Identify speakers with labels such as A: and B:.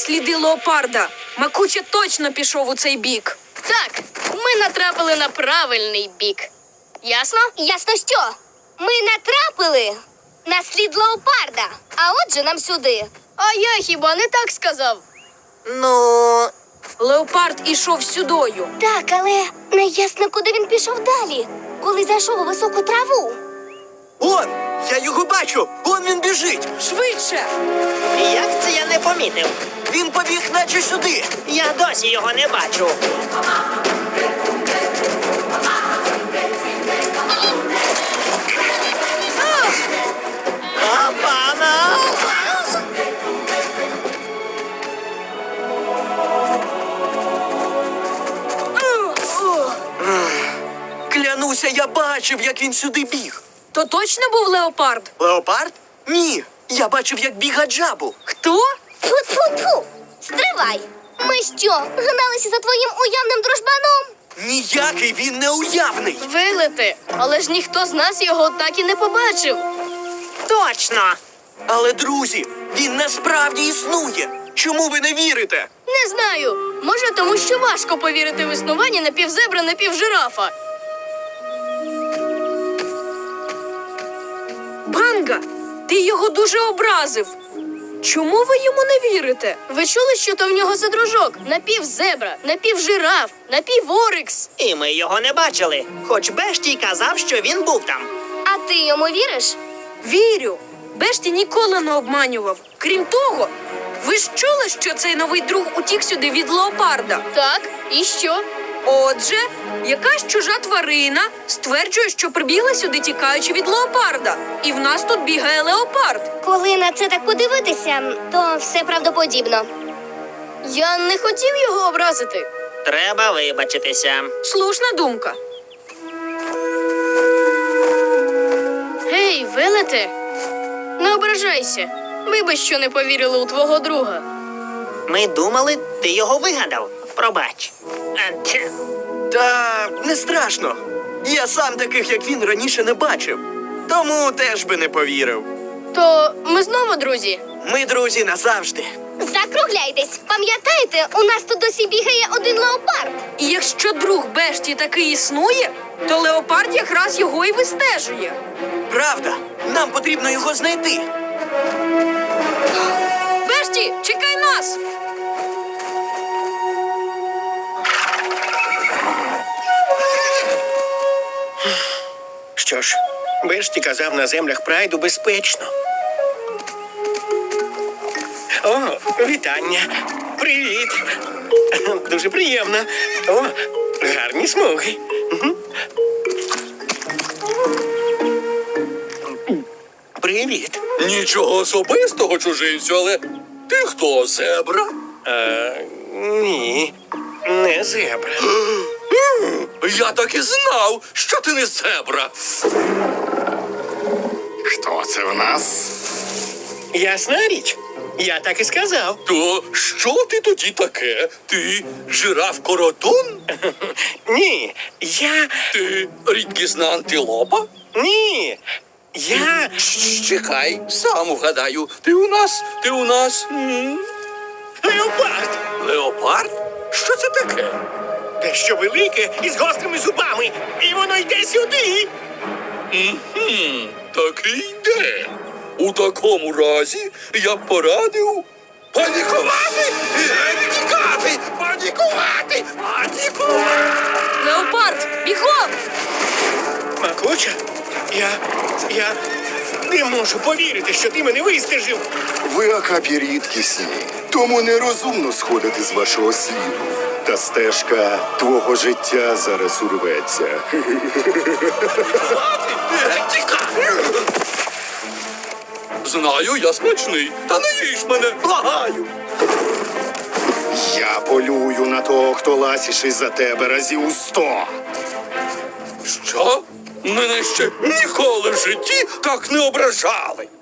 A: сліди леопарда. Макуча точно пішов у цей бік.
B: Так, ми натрапили на правильний бік. Ясно?
C: Ясно що? Ми натрапили на слід леопарда, а отже нам сюди.
B: А я хіба не так сказав?
D: Ну,
A: Леопард ішов сюдою.
C: Так, але не ясно, куди він пішов далі, коли зайшов у високу траву.
D: он! Я його бачу! Он він біжить!
A: Швидше!
E: Як це я не помітив?
D: Він побіг наче сюди!
E: Я досі його не бачу. Опана!
D: Клянуся, я бачив, як він сюди біг.
A: То точно був леопард?
D: Леопард? Ні. Я бачив, як біг Гаджабу.
A: Хто?
C: Тьфу-тьфу-тьфу! Стривай! Ми що, гналися за твоїм уявним дружбаном?
D: Ніякий він не уявний.
B: Вилети, але ж ніхто з нас його так і не побачив.
E: Точно!
D: Але, друзі, він насправді існує. Чому ви не вірите?
B: Не знаю. Може, тому що важко повірити в існування напівзебра, напівжирафа.
A: Банга, ти його дуже образив. Чому ви йому не вірите?
B: Ви чули, що то в нього за дружок? Напівзебра, напівжираф, напіворикс.
E: І ми його не бачили. Хоч Бештій казав, що він був там.
C: А ти йому віриш?
A: Вірю. Бешті ніколи не обманював. Крім того, ви ж чули, що цей новий друг утік сюди від леопарда?
B: Так, і що?
A: Отже, якась чужа тварина стверджує, що прибігла сюди, тікаючи від леопарда. І в нас тут бігає леопард.
C: Коли на це так подивитися, то все правдоподібно.
B: Я не хотів його образити.
E: Треба вибачитися.
A: Слушна думка.
B: Гей, Велете, не ображайся. Вибач, що не повірили у твого друга.
E: Ми думали, ти його вигадав. Пробач. Тьф.
D: Та не страшно. Я сам таких, як він, раніше не бачив. Тому теж би не повірив.
B: То ми знову друзі.
D: Ми друзі назавжди.
C: Закругляйтесь! Пам'ятаєте, у нас тут досі бігає один леопард.
A: І якщо друг Бешті таки існує, то леопард якраз його і вистежує.
D: Правда, нам потрібно його знайти.
A: Бешті, чекай нас!
F: Що ж, Бешті казав, на землях прайду безпечно. О, вітання. Привіт. Дуже приємно. О, гарні смуги. Мгм. Привіт.
G: Нічого особистого, чужинцю, але ти хто, зебра?
F: Ні, не зебра.
G: Я так і знав, що ти не зебра.
H: Хто це в нас?
F: Ясна річ. Я так і сказав.
G: То що ти тоді таке? Ти жираф Коротун?
F: Ні,
G: Ти рідкісна антилопа?
F: Ні. Я...
G: Чекай, сам вгадаю. Ти у нас
F: Леопард.
G: леопард? Що це таке?
F: Дещо велике і з гострими зубами. І воно йде сюди.
G: Так і йде. У такому разі я б порадив панікувати! Тікати! Панікувати! Панікувати!
A: Леопард, бігом!
F: Макуча, я не можу повірити, що ти мене вистежив.
H: Ви акапі рідкісні, тому нерозумно сходити з вашого сліду. Та стежка твого життя зараз урветься.
G: Тікай! Знаю, я смачний, та не їж мене, благаю!
H: Я полюю на того, хто ласіший за тебе разів у 100.
G: Що? Мене ще ніколи в житті так не ображали.